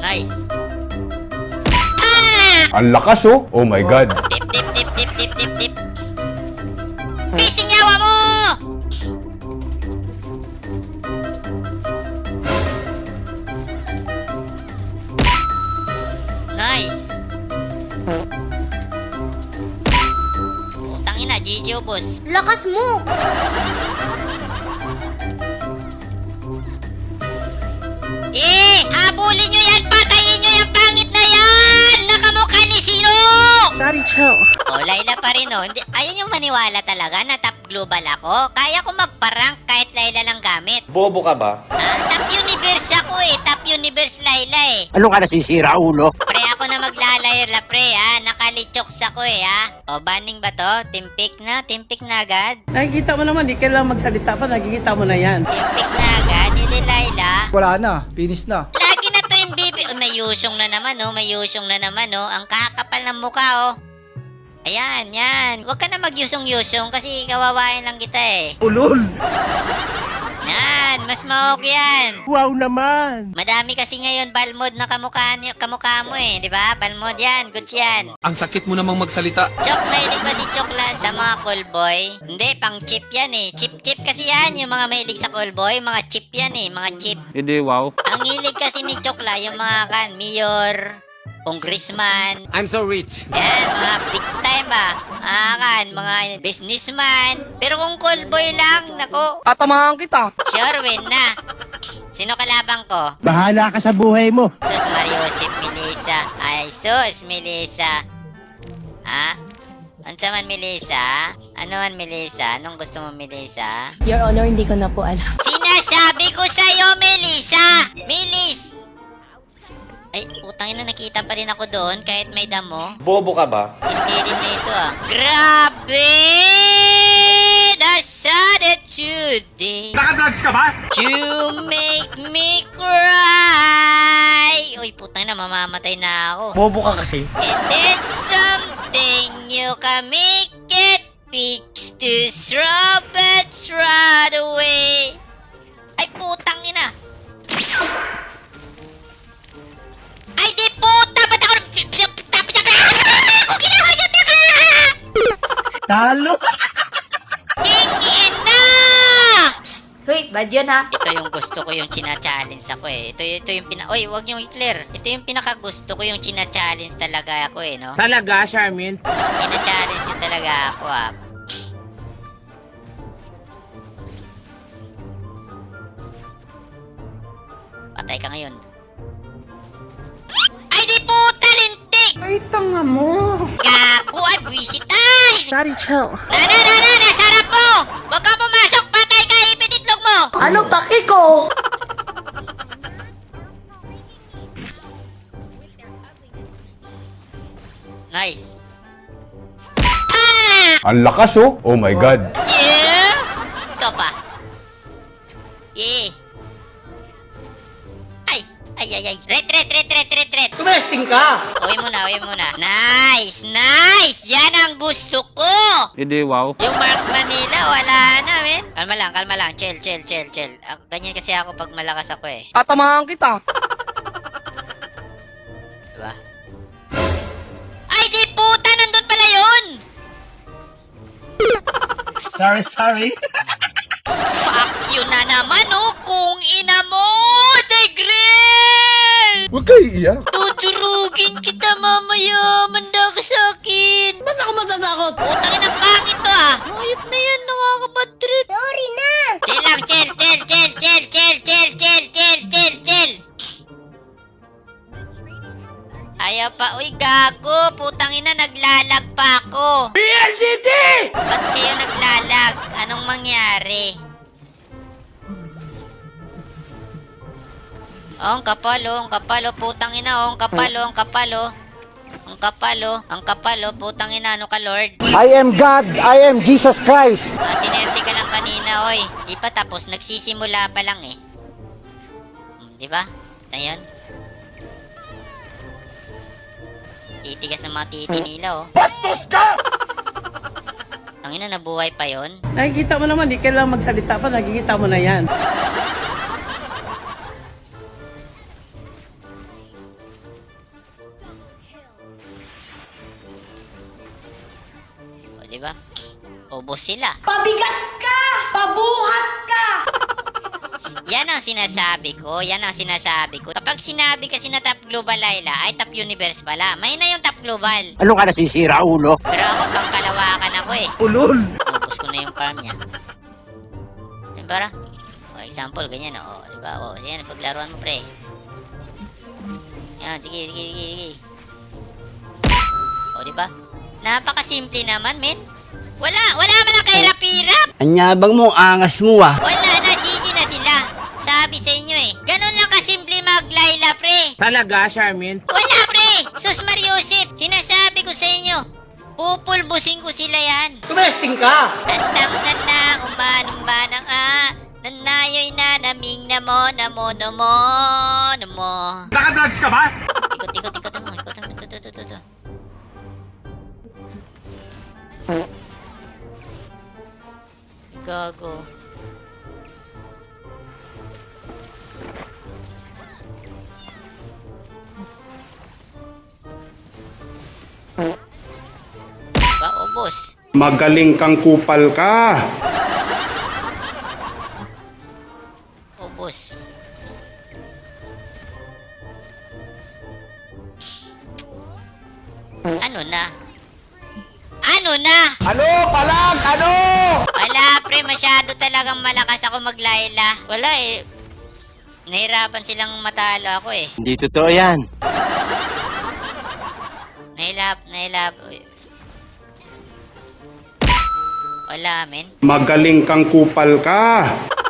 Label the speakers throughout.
Speaker 1: Nice.
Speaker 2: Ang lakas oh. Oh my God.
Speaker 1: Tip, tip, tip, tip, tip, tip, tip. Biting yawa mo! Nice. Utang ina, GG ubos.
Speaker 3: Lakas mo!
Speaker 1: Habulin nyo yan! Patayin nyo yung pangit na yan! Nakamukha ni sino?
Speaker 3: Daddy, chill.
Speaker 1: Oh, Layla pa rin oh. Hindi, ayaw yung maniwala talaga na top global ako. Kaya ko magparank kahit Layla lang gamit.
Speaker 4: Bobo ka ba?
Speaker 1: Top universe ako eh. Top universe Layla eh.
Speaker 5: Ano ka nasisira, ulo?
Speaker 1: Pre, ako na maglalayla pre ha. Nakalichoks ako eh ha. O, banning ba to? Timpik na? Timpik na agad?
Speaker 6: Nakikita mo naman, di kailangan magsalita pa, nakikita mo na yan.
Speaker 1: Timpik na agad? Hindi Layla.
Speaker 5: Wala na, finish na.
Speaker 1: Lagi na to yung bibi. Oh, may yusyong na naman oh. May yusyong na naman oh. Ang kakapal ng mukha oh. Ayan, yan. Huwag ka na magyusong-yusong kasi kawawain lang kita eh.
Speaker 5: Ulol!
Speaker 1: Yan, mas mahok yan.
Speaker 5: Wow naman!
Speaker 1: Madami kasi ngayon balmod na kamukha mo eh, di ba? Balmod yan, goods yan.
Speaker 4: Ang sakit mo namang magsalita.
Speaker 1: Chokes, mahilig ba si Chokla sa mga callboy? Hindi, pang chip yan eh. Chip-chip kasi yan, yung mga mahilig sa callboy. Mga chip yan eh, mga chip.
Speaker 4: Hindi, wow.
Speaker 1: Ang hilig kasi ni Chokla, yung mga mayor, congressman,
Speaker 4: I'm so rich.
Speaker 1: yan, mga big time ba? Mga businessman. Pero kung callboy lang, nako,
Speaker 6: Tatamahan kita.
Speaker 1: sure win na. Sino kalabang ko?
Speaker 5: Bahala ka sa buhay mo!
Speaker 1: Sus Mariosip Melissa. Ay, sus Melissa. Ha? Ansa man Melissa? Ano man Melissa? Anong gusto mo Melissa?
Speaker 3: Your Honor, hindi ko na po alam.
Speaker 1: Sinasabi ko sa'yo Melissa! Melis! Ay, putang ina, nakita pa rin ako doon kahit may damo.
Speaker 4: Bobo ka ba?
Speaker 1: Hindi rin na ito ah. Grabe! That's attitude eh.
Speaker 4: Nakadrugs ka ba?
Speaker 1: To make me cry. Uy, putang na, mamamatay na ako.
Speaker 4: Bobo ka kasi.
Speaker 1: And it's something you can make it fix to throw but right away. Ay, putang ina. Ay, di puta! Ba't ako... Ako ginawa yun na!
Speaker 6: Talo.
Speaker 1: King ina!
Speaker 3: Hoy, bad yun ha?
Speaker 1: Ito yung gusto ko yung china-challenge ako eh. Ito yung Oy, wag niyong i-clear. Ito yung pinaka-gusto ko yung china-challenge talaga ako eh, no?
Speaker 6: Talaga, Charmin?
Speaker 1: China-challenge yun talaga ako ah. Patay ka ngayon. Ay, di puta, lintik!
Speaker 6: Ay, tanga mo.
Speaker 1: Gago, ay, buwisit ay!
Speaker 3: Daddy, chill.
Speaker 1: Na, nasarap mo! Huwag ka pumasok, patay ka, ipit itlog mo!
Speaker 3: Ano paki ko?
Speaker 1: Nice.
Speaker 2: Ang lakas oh. Oh my God.
Speaker 1: Yeah! Ikaw pa. Yeah. Ay. Ret.
Speaker 6: Tumesting ka.
Speaker 1: Uwi muna. Nice. Yan ang gusto ko.
Speaker 4: Hindi, wow.
Speaker 1: Yung marksman nila, wala na, men. Kalma lang. Chill. Ganyan kasi ako pag malakas ako eh.
Speaker 6: Tatamahan kita.
Speaker 1: Diba? Ay, di puta! Nandun pala yun!
Speaker 6: Sorry.
Speaker 1: Fuck you na naman, oh! Kung ina mo! Tigrel!
Speaker 2: Huwag kayo iiyak.
Speaker 1: Tudurugin kita mamaya! Manda ka sa akin!
Speaker 6: Ba't ako matatakot?
Speaker 1: Putang ina, pangit to ah! Ayop na yan, nakakabad trip!
Speaker 3: Sorry na!
Speaker 1: Chill lang, chill! Ayaw pa, uy gago! Putang ina, naglalag pa ako!
Speaker 5: PLDT!
Speaker 1: Ba't kayo naglalag? Anong mangyari? Oh, ang kapal oh, putang ina oh, ang kapal oh. Ang kapal oh, putang ina, ano ka Lord?
Speaker 5: I am God, I am Jesus Christ!
Speaker 1: Sinerte ka lang kanina, oy. Di pa tapos, nagsisimula pa lang eh. Di ba? Ayan. Titigas ng mga titi nila, oh.
Speaker 5: Bastos ka!
Speaker 1: Tangina, nabuhay pa yon.
Speaker 6: Nakikita mo naman, di kailangan magsalita pa, nakikita mo na yan.
Speaker 1: ubos sila.
Speaker 3: Pabigat ka! Pabuhat ka!
Speaker 1: Yan ang sinasabi ko. Kapag sinabi kasi na top global, Layla, ay top universe pala. May na yung top global.
Speaker 5: Ano ka nasisira, ulo?
Speaker 1: Pero ako, pangkalawakan ako eh.
Speaker 5: Ulol!
Speaker 1: Ubus ko na yung farm niya. Yan para. O, example, ganyan o. Diba? O, yan, paglaruan mo, pre. Yan, sige. O, diba? Napakasimple naman, men. Wala man lang kahirap-hirap.
Speaker 5: Anyabang mo, angas mo ah.
Speaker 1: Wala na, GG na sila. Sabi sa inyo eh. Ganun lang kasimple mag-Layla, pre.
Speaker 5: Talaga, Charmin?
Speaker 1: Wala, pre. Sus Mariusip, sinasabi ko sa inyo. Pupulbusin ko sila yan.
Speaker 5: Tumesting ka!
Speaker 1: Tandang-tanda, umanang-manang nanayoy na naming namo.
Speaker 4: Nakadrugs ka ba?
Speaker 1: Ikot mo. Gago. Ba, ubos.
Speaker 2: Magaling kang kupal ka.
Speaker 1: Ubos. Ano na?
Speaker 5: Ano? Palag! Ano?
Speaker 1: Wala, pre. Masyado talagang malakas ako mag-Layla. Wala eh. Nahirapan silang matalo ako eh.
Speaker 5: Hindi totoo yan.
Speaker 1: Nahilap. Wala, men.
Speaker 2: Magaling kang kupal ka.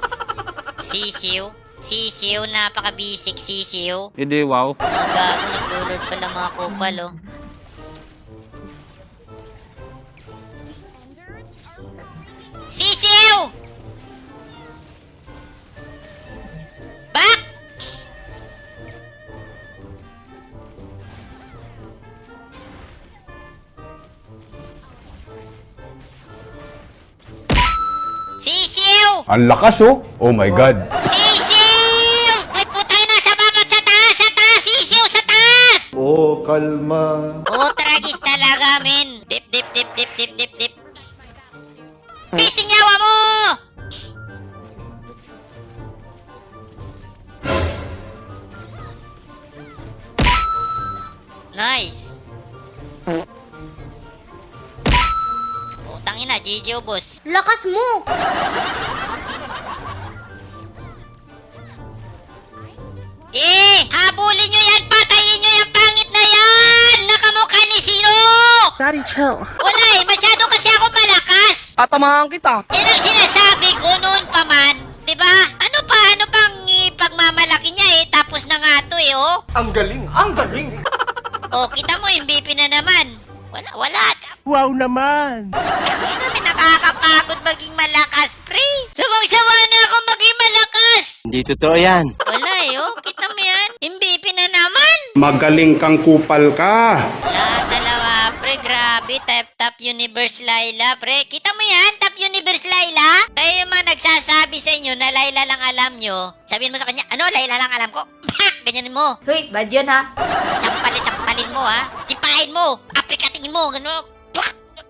Speaker 1: Sisiw, napaka-basic sisiw.
Speaker 4: Hindi, wow.
Speaker 1: Mga gago, naglulord pala mga kupal, oh. Sisiw! Back! Sisiw!
Speaker 2: Ang lakas oh. Oh my God.
Speaker 1: Sisiw! Ay, putay na sa baba, sa taas, sisiw, sa taas!
Speaker 2: Oh, kalma.
Speaker 1: Oh, tragis talaga, men. Dip. Biting yawa mo! Nice. Oh, tangina, GG ubos.
Speaker 3: Lakas mo!
Speaker 1: Habulin nyo yan! Patayin nyo yung pangit na yan! Nakamukha ni sino?
Speaker 3: Daddy, chill.
Speaker 1: Wala eh, masyado kasi ako malakas!
Speaker 6: Tatamahan kita.
Speaker 1: Yan ang sinasabi ko noon pa man. Diba? Ano pang pagmamalaki niya eh? Tapos na nga to eh, oh.
Speaker 5: Ang galing!
Speaker 1: Oh, kita mo, MVP na naman. Wala.
Speaker 5: Wow naman!
Speaker 1: Kami nakakapagod maging malakas, pre. Sawang-sawa na ako maging malakas.
Speaker 5: Hindi totoo yan.
Speaker 1: Wala eh, oh. Kita mo yan? MVP na naman.
Speaker 2: Magaling kang kupal ka.
Speaker 1: Wala talaga, pre. Grabe. Top Universe Layla, pre. Kita mo yan? Top Universe Layla? Kaya yung mga nagsasabi sa inyo na Layla lang alam nyo, sabihin mo sa kanya, ano, Layla lang alam ko? Ganyanin mo.
Speaker 3: Hoy, bad yun ha?
Speaker 1: Champalin mo, ha? Sipahin mo. Aprikatingin mo. Gano'n.